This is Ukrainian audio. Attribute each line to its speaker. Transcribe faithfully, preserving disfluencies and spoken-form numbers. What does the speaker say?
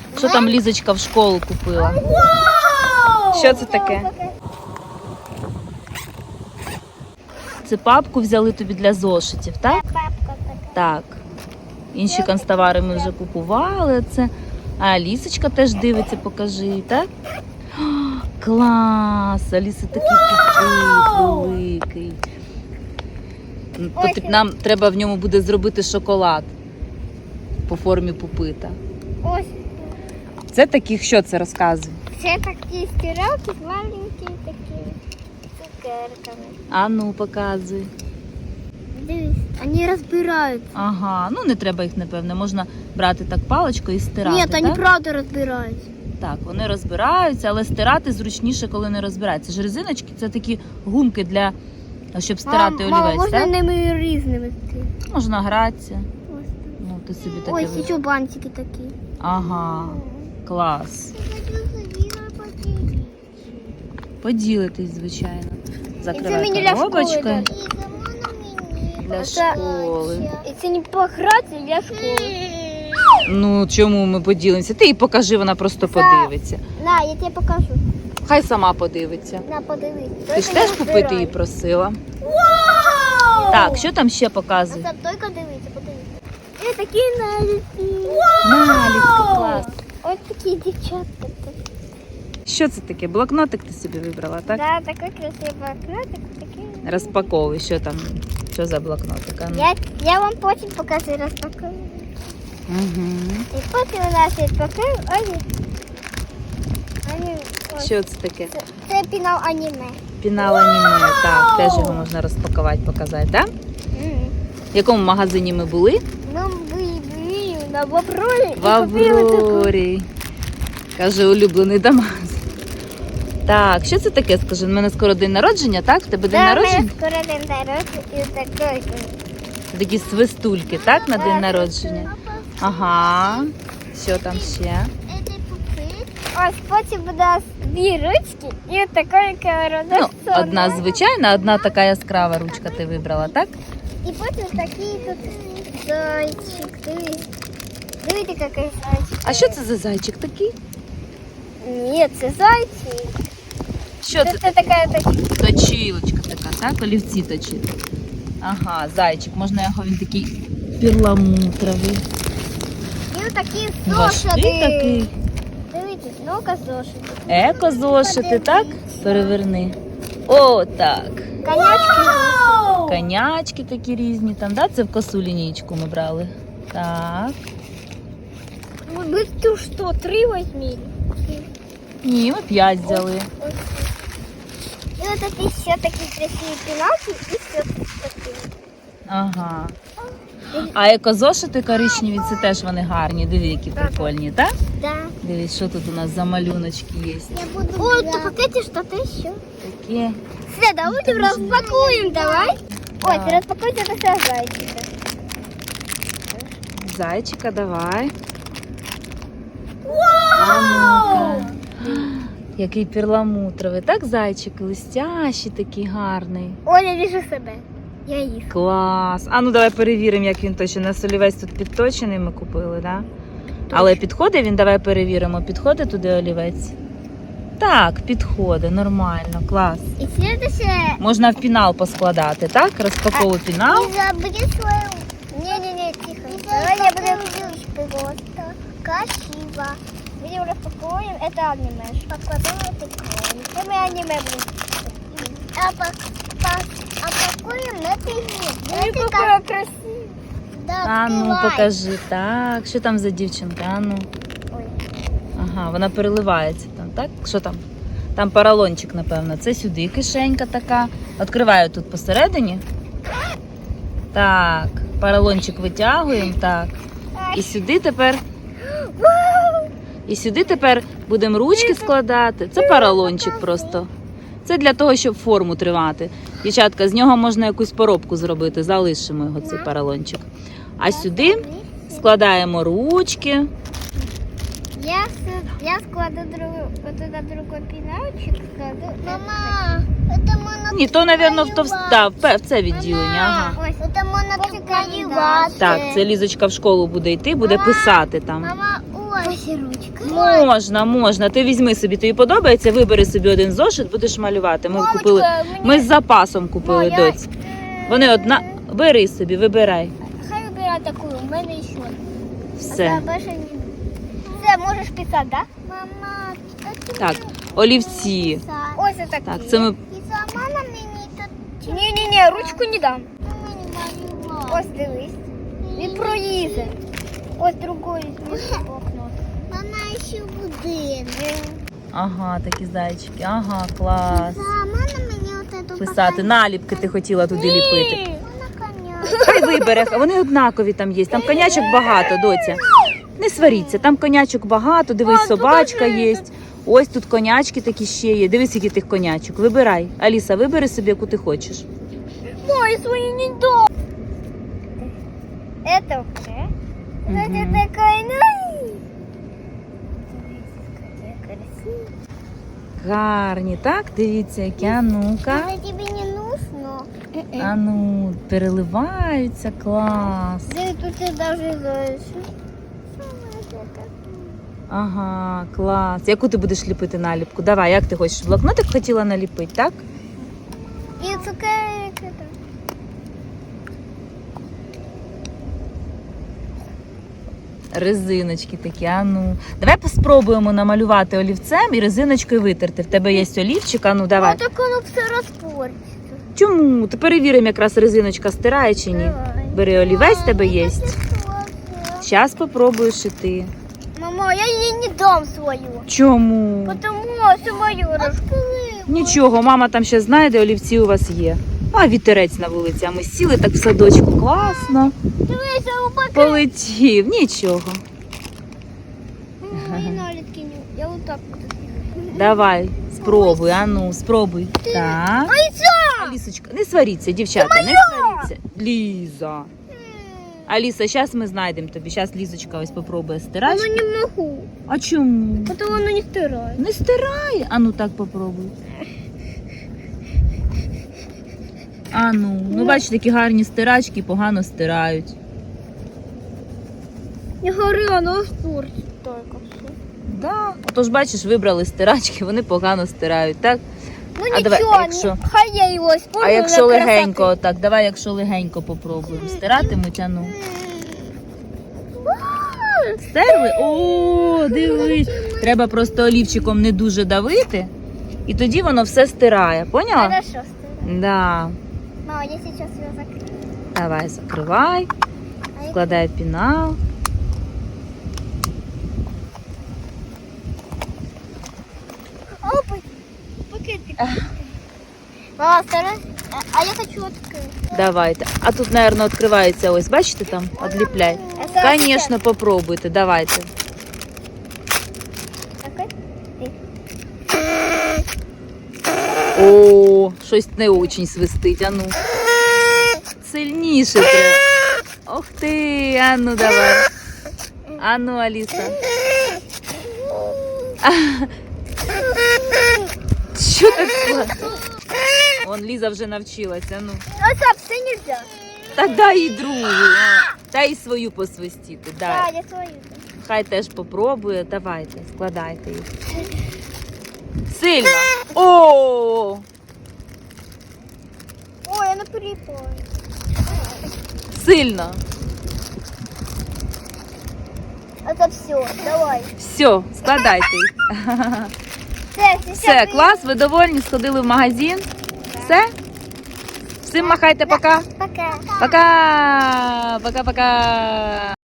Speaker 1: Що там Лізочка в школу купила? Що це таке? Це папку взяли тобі для зошитів, так?
Speaker 2: Папка така.
Speaker 1: Так. Інші канцтовари ми вже купували. Це. А Лісочка теж дивиться, покажи, так? О, клас! Аліса такий пупит великий. Потім нам треба в ньому буде зробити шоколад по формі пупита.
Speaker 2: Ось.
Speaker 1: Це таких, що це розказує?
Speaker 2: Це такі стиралки з маленькими такими цукерками.
Speaker 1: А ну, показуй.
Speaker 2: Дивись, вони розбираються.
Speaker 1: Ага, ну не треба їх, напевне. Можна брати так паличкою і стирати,
Speaker 2: Ні,
Speaker 1: так?
Speaker 2: вони правда розбираються.
Speaker 1: Так, вони розбираються, але стирати зручніше, коли не розбираються. Ж резиночки – це такі гумки, для, щоб стирати
Speaker 2: Мама,
Speaker 1: олівець,
Speaker 2: можна
Speaker 1: так?
Speaker 2: ними різними.
Speaker 1: Можна гратися.
Speaker 2: Ось.
Speaker 1: Ну, ти собі таке...
Speaker 2: Ось
Speaker 1: ви-
Speaker 2: ще бантики такі.
Speaker 1: Ага, клас. Поділитись, звичайно. Закривай коробочкою для школи.
Speaker 2: І це не погратися для школи.
Speaker 1: Ну, чому ми поділимося? Ти їй покажи, вона просто подивиться.
Speaker 2: На, я тебе покажу.
Speaker 1: Хай сама подивиться.
Speaker 2: На, подивись.
Speaker 1: Ти ж теж купити її просила. Так, що там ще показує?
Speaker 2: Це тільки дивіться, подивіться. І такі наліпки.
Speaker 1: Наліпки, клас.
Speaker 2: Ось такі дівчатка.
Speaker 1: Що це таке? Блокнотик ти собі вибрала, так?
Speaker 2: Да, такий красивий блокнотик. Такий.
Speaker 1: Розпаковуй, що там, що за блокнотик? А ну.
Speaker 2: Я, я вам потім покажу розпакую.
Speaker 1: Угу.
Speaker 2: І потім у нас відпакуємо. Ось. Ось.
Speaker 1: Що це таке?
Speaker 2: Це, це пінал аніме.
Speaker 1: Пінал аніме, так, теж його можна розпакувати, показати, так?
Speaker 2: Мгм.
Speaker 1: В якому магазині ми були?
Speaker 2: Ну, ви, ви на Боброві.
Speaker 1: В Аврорі. Каже, улюблений Дамас. Так, що це таке, скажи? У мене скоро день народження, так? В тебе день народження?
Speaker 2: скоро день народження і такий.
Speaker 1: Такі свистульки, так, на день народження? Ага. Що там ще?
Speaker 2: Ось потім у нас дві ручки і такий корона.
Speaker 1: Ну, одна звичайна, одна така яскрава ручка ти вибрала, так?
Speaker 2: І потім такий тут зайчик. Дивись. Дивіться, який зайчик.
Speaker 1: А що це за зайчик такий?
Speaker 2: Ні, це зайчик.
Speaker 1: Що
Speaker 2: Це,
Speaker 1: це?
Speaker 2: це така, така.
Speaker 1: Точилочка така, так? Олівці точити. Ага, зайчик. Можна його, він такий перламутровий.
Speaker 2: І такі
Speaker 1: Важкий
Speaker 2: зошити.
Speaker 1: такий.
Speaker 2: Дивіться, ну-ка зошити.
Speaker 1: Еко-зошити, так? Переверни. О, так.
Speaker 2: Конячки.
Speaker 1: Конячки такі різні там, да? Це в косу лінійку ми брали. Так.
Speaker 2: Ми тут що, три візьмі?
Speaker 1: Ні, ми п'ять взяли.
Speaker 2: І ось такі ще такі красиві піналки і все такі.
Speaker 1: Ага. А екозошити коричневі, це теж вони гарні. Диви, які прикольні, так?
Speaker 2: Да.
Speaker 1: Дивись, що тут у нас за малюночки є.
Speaker 2: О, то пакеті что-то еще.
Speaker 1: Такі.
Speaker 2: Все, давайте распакуем, давай. Ой,
Speaker 1: Да.
Speaker 2: ты распакуйте это все зайчика.
Speaker 1: Зайчика, давай. А ну-ка. Який перламутровий. Так, зайчик, листящий такий гарний.
Speaker 2: Ой, я вижу себе. Я їх.
Speaker 1: Клас. А ну давай перевіримо, як він точно. У нас олівець тут підточений ми купили, да? Але підходить він, давай перевіримо. Підходить туди олівець? Так, підходить, нормально, клас.
Speaker 2: І следующее.
Speaker 1: Можна в пінал поскладати, так? Розпаковуй пінал.
Speaker 2: Не забудь свою. Не-не-не, тихо. Давай я буду просто. Красиво. Видео распакуем. Это аниме. Покладаем прикольно. Это мы аниме будем. А, по, по, а пакуем на пиво. Ой, какая красивая. Да,
Speaker 1: А ну,
Speaker 2: открывай.
Speaker 1: покажи. Так, що там за дівчинка? А ну.
Speaker 2: Ой.
Speaker 1: Ага, вона переливається там, так? Що там? Там поролончик, напевно. Це сюди кишенька така. Відкриваю тут посередині. Так, поролончик витягуємо, так. І сюди тепер... І сюди тепер будемо ручки складати. Це поролончик просто. Це для того, щоб форму тримати. Дівчатка, з нього можна якусь поробку зробити. Залишимо його, цей поролончик. А сюди складаємо ручки.
Speaker 2: Я, с- я складу другу, вот туда другой пенальчик складу. Мама, это монотик.
Speaker 1: Ні, то, мабуть, в, товст... да, в пе- в це відділення. Ага.
Speaker 2: Ой, это монотик.
Speaker 1: Так, це Лізочка в школу буде йти, буде писати там.
Speaker 2: Мама, ось. Ось ручка.
Speaker 1: Можна, можна. Ти візьми собі, тобі подобається, вибери собі один зошит, будеш малювати. Ми
Speaker 2: Мамочка,
Speaker 1: купили.
Speaker 2: мені-
Speaker 1: Ми з запасом купили,
Speaker 2: Ну, я-
Speaker 1: доць. Вони одна. Бери собі, вибирай.
Speaker 2: Хай вибирай таку, у мене ще.
Speaker 1: Все.
Speaker 2: Це можеш писати, да? Мама,
Speaker 1: Так, олівці.
Speaker 2: ось такі.
Speaker 1: Так, це ми.
Speaker 2: І сама на мені тут. Ні, ні, ні, ручку не дам. Ось дивись. Він проїде. Ось другої блокнот. Мама ще будинок.
Speaker 1: Ага, такі зайчики. Ага, клас.
Speaker 2: Сама на мені от эту
Speaker 1: Писати. Наліпки ти хотіла туди ліпити.
Speaker 2: Вона коня.
Speaker 1: Хай вибере, вони однакові там є. Там конячок багато, доця. Не сваріться, там конячок багато, дивись,
Speaker 2: А,
Speaker 1: собачка
Speaker 2: покажи.
Speaker 1: є. Ось тут конячки такі ще є. Дивись, які тих конячок. Вибирай. Аліса, вибери собі, яку ти хочеш.
Speaker 2: Мой свої не до. Это уже. Это
Speaker 1: Мгм.
Speaker 2: такая, ну. Какая красивая.
Speaker 1: Гарні, так? Дивіться, які. А ну-ка.
Speaker 2: Это тебе не нужно.
Speaker 1: А ну, переливаються, клас.
Speaker 2: Да тут я даже знаешь.
Speaker 1: Ага, клас. Яку ти будеш ліпити наліпку? Давай, як ти хочеш? Блокнотик хотіла наліпити, так?
Speaker 2: И цукерок это.
Speaker 1: Резиночки такі, а ну. Давай спробуємо намалювати олівцем і резиночкою витерти. В тебе є олівчик, а ну давай.
Speaker 2: А так оно все распортится.
Speaker 1: Чому? Ти перевіримо, якраз резиночка стирає чи ні.
Speaker 2: Давай.
Speaker 1: Бери олівець, в тебе є. Зараз попробуєш і ти.
Speaker 2: Мама, я ей не дам свою.
Speaker 1: Чому?
Speaker 2: Потому что мою раскрыла.
Speaker 1: Нічого, мама там ще знайде, олівці у вас є. А вітерець на вулиці, а ми сіли так в садочку. Класно.
Speaker 2: Дивися, у пакет.
Speaker 1: Полетів, нічого.
Speaker 2: Мої налітки не. Я вот так вот.
Speaker 1: Давай, спробуй, а ну, спробуй. Так.
Speaker 2: Ай, все!
Speaker 1: Алісочка, не сваріться, дівчата, не сваріться. Ліза. Аліса, зараз ми знайдемо тобі. Зараз Лізочка ось попробує стирати.
Speaker 2: Оно не могу.
Speaker 1: А чому?
Speaker 2: Потому оно не стирает.
Speaker 1: Не стирає. А ну так попробуй. А ну, ну бачиш, такі гарні стирачки погано стирають.
Speaker 2: Не говори, оно испортит только все.
Speaker 1: Да. Отож, бачиш, вибрали стирачки, вони погано стирають, так?
Speaker 2: Ну
Speaker 1: А давай,
Speaker 2: ничего,
Speaker 1: а якщо-
Speaker 2: не- хай я его использую.
Speaker 1: А якщо
Speaker 2: для
Speaker 1: легенько,
Speaker 2: красоты.
Speaker 1: отак, давай, якщо легенько попробуємо. Стиратимуть, а ну. Стерли? О, дивись. Треба просто олівчиком не дуже давити, і тоді воно все стирає. Поняла?
Speaker 2: Хорошо, стирай.
Speaker 1: Да.
Speaker 2: Мама, я сейчас ее закрою.
Speaker 1: Давай, закривай,
Speaker 2: А я-
Speaker 1: складай пінал.
Speaker 2: Опа, пакетик. Мама, старайся. А, а я хочу открыть.
Speaker 1: Давайте. А тут, мабуть, відкривається ось, бачите там? Одліпляй.
Speaker 2: Это
Speaker 1: Звісно, попробуйте, давайте.
Speaker 2: Такой?
Speaker 1: О, щось не дуже свистить, а ну. Сильніше треба. Ох ти, а ну давай. А ну, Аліса. Що так складно? Вон Ліза вже навчилася, ну.
Speaker 2: А так, все нельзя.
Speaker 1: Та дай і другу. а. Та й свою посвистіти,
Speaker 2: Да,
Speaker 1: дай.
Speaker 2: я свою.
Speaker 1: Хай теж попробує. Давайте, складайте їх. Сильно. О!
Speaker 2: Ой, она припала.
Speaker 1: Сильно.
Speaker 2: Это все, давай.
Speaker 1: Все, складайте їх.
Speaker 2: Все, все,
Speaker 1: Все, клас, ви довольні? Сходили в магазин? Все? Всім махайте пока.
Speaker 2: Пока.
Speaker 1: Пока. Пока-пока.